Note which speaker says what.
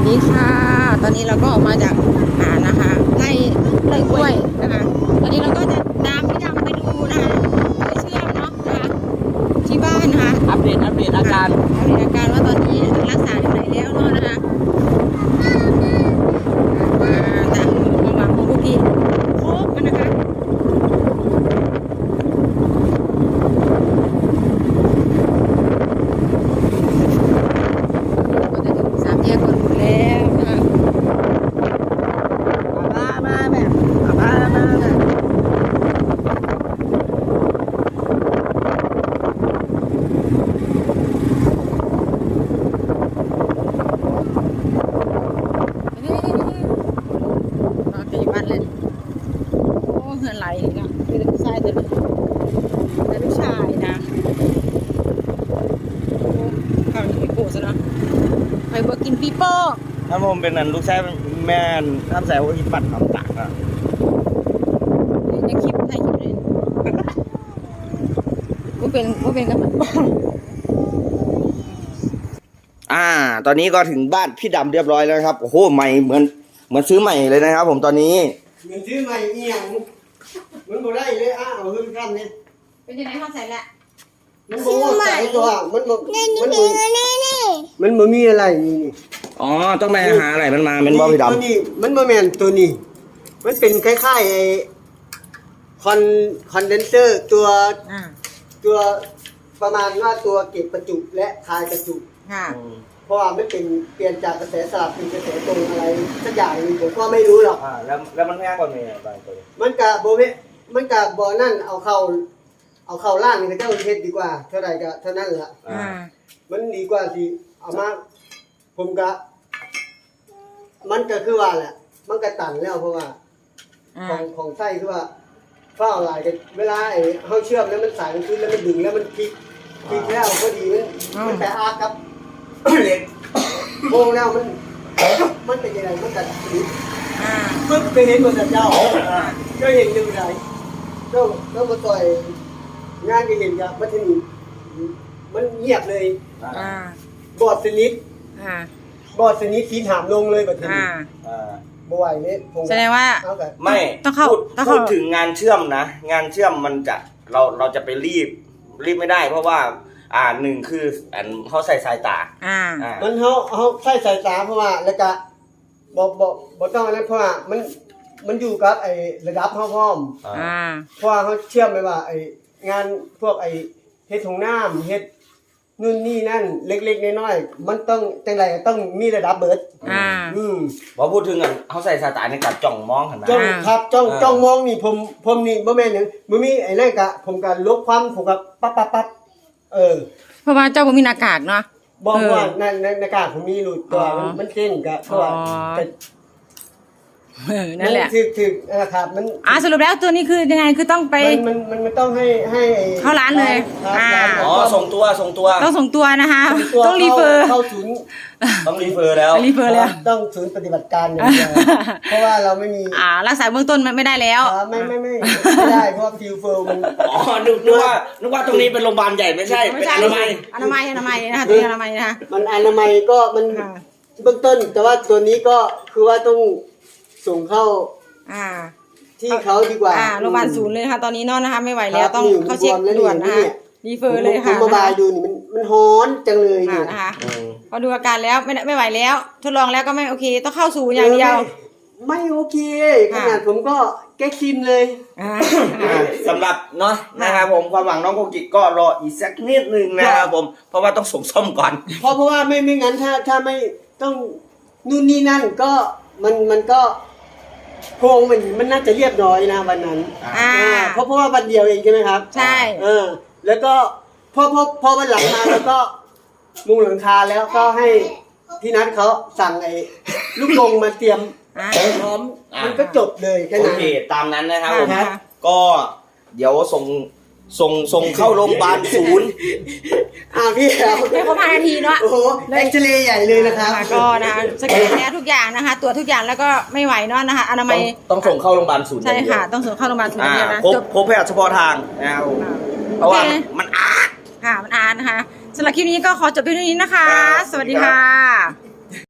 Speaker 1: ดีค่ะตอนนี้เราก็ออกมาจากนะคะไร่กล้วยนะคะตอนนี้เราก็จะตามพี่ดำไปดูนะคะไปเชื่อมเนาะนะคะที่บ้านนะคะ
Speaker 2: อัปเดตอาการ
Speaker 1: ว่าตอนนี้รักษาอยู่ไหนแล้วเนาะนะคะตามความหวังของพวกพี่โคกกันนะคะสามแยกคนแล้วนะคะมาแบบเราจะอยู่บ้านเลยโอ้เหือนไหลอีกอ่ะคือลูกชายแต่ลูกชายนะโอ้ข้าวนี่โก้ซะเนาะไปเบิกกินปีโป้
Speaker 2: ถ้าผมเป็นนั่นลูกชายแม่ทำใส่หัวหินปัดทำตักอ่ะ
Speaker 1: ในคลิปถ่ายคลิปเลยว่าเป็นกัน
Speaker 2: ตอนนี้ก็ถึงบ้านพี่ดำเรียบร้อยแล้วครับโอ้โหใหม่เหมือนซื้อใหม่เลยนะครับผมตอนนี้
Speaker 3: เหมือนซื้อใหม่เอียงมันบ่ได้เลยเอาขึ้นขั้นนี่
Speaker 1: เป็นยังไงเข้าใส่ละ
Speaker 3: มันบ่ใส่ตัวมันบ่มีอะไรนี่
Speaker 2: อ๋อต้องไปหาอะไรมันมาเป็นบอพี่ด
Speaker 3: ตัวนี้มันบ่แม่นตัวนี้มันเป็นคล้ายๆไอ้คอนเดนเซอร์ตัวประมาณว่าตัวเก็บประจุและคายประจุ
Speaker 1: ค่ะ
Speaker 2: ำ
Speaker 3: เพราะว่ามันเป็นเปลี่ยนจากกระแสสลับเป็นกระแสตรงอะไรสักอย่างนึงผมก็ไม่รู้หรอก
Speaker 2: แล้วมันแพงกว่าเมียบางตัว
Speaker 3: มันกะบ่นั่นเอาเข้าล่างนี่ก็เจ้าเฮ็ดดีกว่าเท่าไหร่ก็เท่านั้นล่ะ มันดีกว่าสิเอามาผมก็มันก็คือว่าแหละมันก็ตันแล้วเพราะว่าของไส้คือว่าฝ้าหลายกันเวลาไอ้เฮาเชื่อมแล้วมันสายมันขึ้นแล้วมันดึงแล้วมันพลิกแล้วพอดีมันแต่อากับ เหล็กโมงแล้วมันเป็นยังไงมันกัดปึ๊บไปเห็นหมดเจ้าก็เห็นอยู่ไหนเจ้ามาต่อยงานก็เห็นกับมันที่นี่มันเงียบเลยบอดสนิททีถามลงเลยแบบนี้บ่ไหวเลย
Speaker 1: แสดงว่า
Speaker 2: ไม่
Speaker 1: ต้องเข้า
Speaker 2: พูดถึงงานเชื่อมนะงานเชื่อมมันจะเราจะไปรีบไม่ได้เพราะว่าหนึ่งคือเขาใส่สายตา
Speaker 3: มันเขาใส่สายตาเพราะว่าแล้วก็บ่ต้องอะไรเพราะว่ามันอยู่กับไอ้ระดับเขาพร้อมเพราะว่าเขาเชื่อมไปว่าไอ้งานพวกไอ้เฮ็ดของน้ำเฮ็ดนู่นนี่นั่นเล็กๆน้อยๆมันต้องจังไรต้องมีระดับเบิด
Speaker 2: พอพูดถึงเขาใส่สายตาในการจ้องมองเห็นไหม
Speaker 3: จ้องมองนี่ผมนี่บ่แม่นหยังบ่มีไอ้นั่นกะผมก็ลบความผมก็ปั๊บ
Speaker 1: เพราะว่าเจ้าบ่มีหน้ากากเนาะ
Speaker 3: บอกว่าในหน้ากากผมมีรูตัวมันเส้นก็เพราะว่า
Speaker 1: นั่นแหละ
Speaker 3: ถึกครับมัน
Speaker 1: สรุปแล้วตัวนี้คือยังไงคือต้องไป
Speaker 3: มันต้องให้
Speaker 1: เข้าร้านเลย
Speaker 2: ส่งตัว
Speaker 1: ต้องส่งตัวนะคะต้องรีเฟอร์
Speaker 3: เข้าศูนย์
Speaker 2: ต้องรีเฟอร์แล้ว
Speaker 3: ต้องศูนย์ปฏิบัติการอย่างเดียวเพราะว่าเราไม่มี
Speaker 1: รักษาเบื้องต้นไม่ได้แล้ว
Speaker 3: ไม่ได้เพราะฟิวเฟอร์มัน
Speaker 2: นึกว่าตรงนี้เป็นโรงพยาบาลใหญ่ไม่ใช่เป็นอนามัย
Speaker 1: นะคะตัวอนามัยนะคะ
Speaker 3: มันอนามัยก็มันเบื้องต้นแต่ว่าตัวนี้ก็คือว่าต้องส่งเข้าที่เขาดีกว่า
Speaker 1: โรงพยาบาลศูนย์เลยค่ะตอนนี้นอนนะคะไม่ไหวแล้วต้องเข้าเช็คด่วนนะคะรีเฟอร์เลยค่ะ
Speaker 3: ผมมาบายดูนี่มันฮ้อนจังเลย
Speaker 1: นี่นะคะพอดูอาการแล้วไม่ไหวแล้วทดลองแล้วก็ไม่โอเคต้องเข้าศูนย์อย่างเดียว
Speaker 3: ไม่โอเคขนาดผมก็แก้คิมเลย
Speaker 2: สำหรับเนาะนะครับผมความหวังน้องโกกิก็รออีกสักนิดนึงนะครับผมเพราะว่าต้องส่งซ่อมก่อน
Speaker 3: เพราะว่าไม่งั้นถ้าไม่ต้องนู่นนี่นั่นก็มันก็โครงมันน่าจะเรียบร้อยนะวันนั้นเพราะว่าวันเดียวเองใช่ไหมครับ
Speaker 1: ใช่
Speaker 3: แล้วก็พอวันหลังมาแล้วก็มุงหลังคาแล้วก็ให้พี่นัทเขาสั่งไอ้ลูกกรงมาเตรียมพร้อมมันก็จบเลยแค่นั้น
Speaker 2: โอเคตามนั้นนะครับผมก็เดี๋ยวส่งเข้าโรงพยาบาลศูนย์
Speaker 3: พี่แล้ว
Speaker 1: ไม่ครบ5 นาทีเนาะ
Speaker 3: โอ้โหเอ็กซเรย์ใหญ่เลยนะครับ
Speaker 1: ก็นะสแกนแล้วทุกอย่างนะคะตรวจทุกอย่างแล้วก็ไม่ไหวเนาะนะคะอนามัย
Speaker 2: ต้องส่งเข้าโรงพยาบาลศูนย์
Speaker 1: ใช่ค่ะต้องส่งเข้าโรงพยาบาลศูนย์นะ
Speaker 2: พบแพทย์เฉพาะทางนะครับเพราะว่ามันอาด
Speaker 1: นะคะสำหรับคลิปนี้ก็ขอจบเพียงเท่านี้นะคะสวัสดีค่ะ